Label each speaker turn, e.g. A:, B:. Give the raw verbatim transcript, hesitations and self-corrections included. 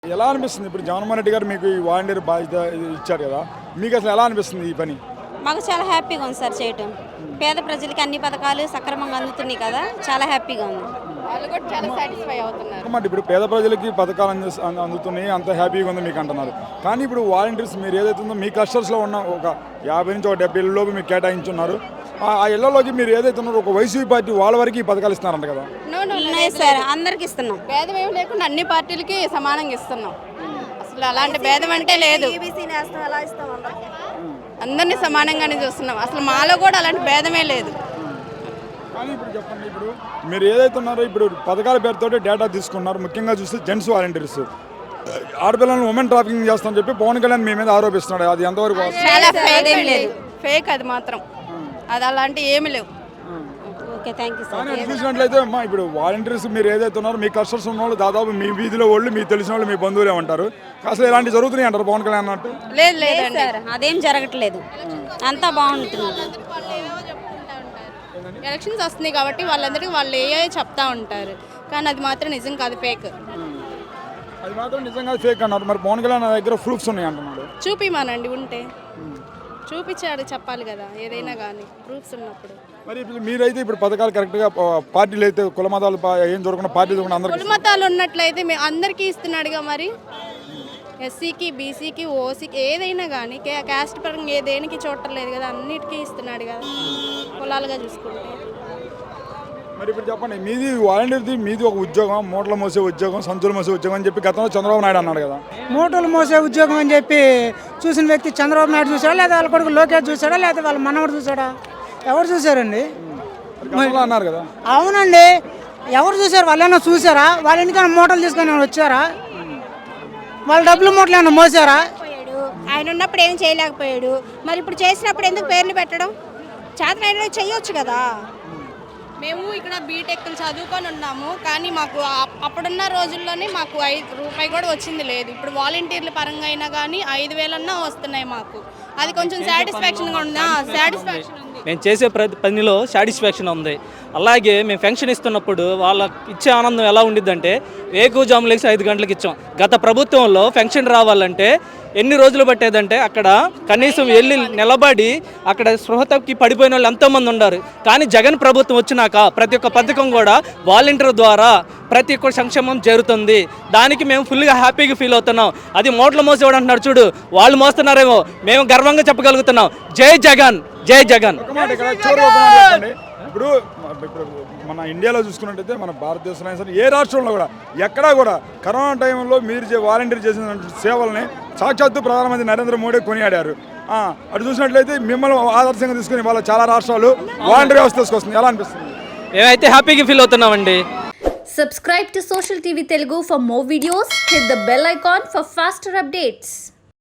A: ఎలా అనిపిస్తుంది ఇప్పుడు జగన్మోహన్ రెడ్డి గారు మీకు ఈ వాలంటీర్ బాధ్యత ఇచ్చారు కదా, మీకు అసలు ఎలా అనిపిస్తుంది ఈ పని?
B: మాకు చాలా హ్యాపీగా ఉంది సార్ చేయటం. పేద ప్రజలకి అన్ని పథకాలు సక్రమంగా అందుతున్నాయి కదా, చాలా హ్యాపీగా ఉంది.
C: వాళ్ళు కూడా చాలా సాటిస్ఫై అవుతున్నారు.
A: మరి ఇప్పుడు పేద ప్రజలకి పథకాలు అంది అందుతున్నాయి, అంత హ్యాపీగా ఉంది మీకు అంటున్నారు. కానీ ఇప్పుడు వాలంటీర్స్ మీరు ఏదైతే ఉందో మీ క్లస్టర్స్లో ఉన్న ఒక యాభై నుంచి ఒక డెబ్బై ఇళ్ళలోకి మీకు కేటాయించున్నారు. ఆ ఇళ్లలోకి మీరు ఏదైతే ఉన్నారో ఒక వైసీపీ పార్టీ వాళ్ళ వరకు ఈ పథకాలు ఇస్తున్నారంట కదా?
B: సార్ అందరికి ఇస్తున్నాం.
C: భేదం ఏమి లేకుండా అన్ని పార్టీలకి సమానంగా ఇస్తున్నాం. అసలు అలాంటి భేదం అంటే లేదు. అందరినీ సమానంగానే చూస్తున్నాం. అసలు మాలో కూడా అలాంటి భేదమే లేదు.
A: కానీ ఇప్పుడు చెప్పండి, ఇప్పుడు మీరు ఏదైతే ఉన్నారో ఇప్పుడు పథకాల పేరుతో డేటా తీసుకున్నారు. ముఖ్యంగా చూస్తే జెంట్స్ వాలంటీర్స్ ఆడపిల్లలను ఉమెన్ ట్రాఫికింగ్ చేస్తామని చెప్పి పవన్ కళ్యాణ్ మీ మీద ఆరోపిస్తున్నాడు. అది ఎంతవరకు
C: చాలా ఫేక్ లేదు, ఫేక్ అది మాత్రం. అది అలాంటి ఏమి లేవు.
B: Okay, thank you sir.
A: కానీ చూసినట్లయితే అమ్మా ఇప్పుడు వాలంటీర్స్ మీరు ఏదైతే ఉన్నారో మీ కస్టమర్స్ ఉన్న వాళ్ళు దాదాపు మీ వీధిలో వాళ్ళు మీకు తెలిసిన వాళ్ళు మీ బంధువులే ఉంటారు. అసలు ఇలాంటి జరుగుతున్నాయి అంటారు పవన్ కళ్యాణ్ అన్నట్టు?
C: లేదు లేదు
B: సార్, అదేం జరగట్లేదు, అంతా బాగుంటుంది.
C: ఎలక్షన్స్ వస్తున్నాయి కాబట్టి వాళ్ళందరికీ వాళ్ళు ఏ చెప్తా ఉంటారు, కానీ అది మాత్రం నిజం కాదు, ఫేక్.
A: అది మాత్రం నిజంగా ఫేక్ అన్నారు. మరి పవన్ కళ్యాణ్ దగ్గర ప్రూఫ్స్ ఉన్నాయి అంటున్నాడు.
C: చూపిమానండి, ఉంటే చూపించాడు, చెప్పాలి కదా ఏదైనా కానీ ప్రూఫ్స్ ఉన్నప్పుడు.
A: మరి ఇప్పుడు మీరైతే ఇప్పుడు పథకాలు కరెక్ట్గా పార్టీలు అయితే కుల మతాలు ఏం దొరకకుండా పార్టీలు దొరకకుండా అందరికీ
C: కుల మతాలు ఉన్నట్లయితే మేము అందరికీ ఇస్తున్నాడుగా. మరి ఎస్సీకి, బీసీకి, ఓసీకి ఏదైనా కానీ క్యాస్ట్ పరంగా ఏ దేనికి చూడలేదు కదా, అన్నిటికీ ఇస్తున్నాడు కదా కులాలుగా చూసుకుంటే.
A: మరి ఇప్పుడు చెప్పండి, మీది వాలంటీర్ది మీది ఒక ఉద్యోగం, మూటలు మోసే ఉద్యోగం, సంచులు మోసే ఉద్యోగం అని చెప్పి గతంలో చంద్రబాబు నాయుడు అన్నాడు కదా.
D: మూటలు మోసే ఉద్యోగం అని చెప్పి చూసిన వ్యక్తి చంద్రబాబు నాయుడు చూసాడా, లేదా వాళ్ళ కొడుకు లోకేష్ చూసాడా, లేదా వాళ్ళ మనవడు చూసాడా? ఎవరు చూసారండి?
A: అన్నారు కదా.
D: అవునండి, ఎవరు చూసారు? వాళ్ళైనా చూసారా? వాళ్ళ ఇంటికైనా మూటలు తీసుకొని వచ్చారా? వాళ్ళ డబ్బులు మూటలు ఏమైనా మోసారా?
B: ఆయన ఉన్నప్పుడు ఏం చేయలేకపోయాడు, మరి ఇప్పుడు చేసినప్పుడు ఎందుకు పేర్లు పెట్టడం? చేతనైనా చెయ్యొచ్చు కదా.
C: మేము ఇక్కడ బీటెక్లు చదువుకొని ఉన్నాము, కానీ మాకు అప్పుడున్న రోజుల్లోనే మాకు ఐదు రూపాయి కూడా వచ్చింది లేదు. ఇప్పుడు వాలంటీర్ల పరంగా అయినా కానీ ఐదు వేలన్నా వస్తున్నాయి మాకు. అది కొంచెం సాటిస్ఫాక్షన్గా ఉందా? సాటిస్ఫాక్షన్ ఉంది.
E: మేము చేసే ప్రతి పనిలో సాటిస్ఫాక్షన్ ఉంది. అలాగే మేము పెన్షన్ ఇస్తున్నప్పుడు వాళ్ళకి ఇచ్చే ఆనందం ఎలా ఉండిద్దంటే, వేకువజాము లేచి ఐదు గంటలకు ఇచ్చాం. గత ప్రభుత్వంలో పెన్షన్ రావాలంటే ఎన్ని రోజులు పట్టేదంటే అక్కడ కనీసం వెళ్ళి నిలబడి అక్కడ స్పృహతకి పడిపోయిన వాళ్ళు ఎంతోమంది ఉన్నారు. కానీ జగన్ ప్రభుత్వం వచ్చినాక ప్రతి ఒక్క పథకం కూడా వాలంటీర్ ద్వారా ప్రతి ఒక్క సంక్షేమం జరుగుతుంది. దానికి మేము ఫుల్గా హ్యాపీగా ఫీల్ అవుతున్నాం. అది మోట్లు మోసేవాడు అంటున్నారు చూడు, వాళ్ళు మోస్తున్నారేమో, మేము గర్వంగా చెప్పగలుగుతున్నాం. జై జగన్, జై జగన్.
A: ఇప్పుడు ఇప్పుడు మన ఇండియాలో చూసుకున్నట్టయితే మన భారతదేశంలో సరే ఏ రాష్ట్రంలో కూడా ఎక్కడా కూడా కరోనా టైంలో మీరు వాలంటీర్ చేసిన సేవల్ని సాక్షాత్తు ప్రధానమంత్రి నరేంద్ర మోడీ కొనియాడారు. అటు చూసినట్లయితే మిమ్మల్ని ఆదర్శంగా తీసుకుని వాళ్ళ చాలా రాష్ట్రాలు వాలంటీర్ వ్యవస్థ తీసుకొస్తుంది. ఎలా అనిపిస్తుంది?
E: మేమైతే హ్యాపీగా ఫీల్ అవుతున్నామండి.
F: Subscribe to Social T V Telugu for more videos. Hit the bell icon for faster updates.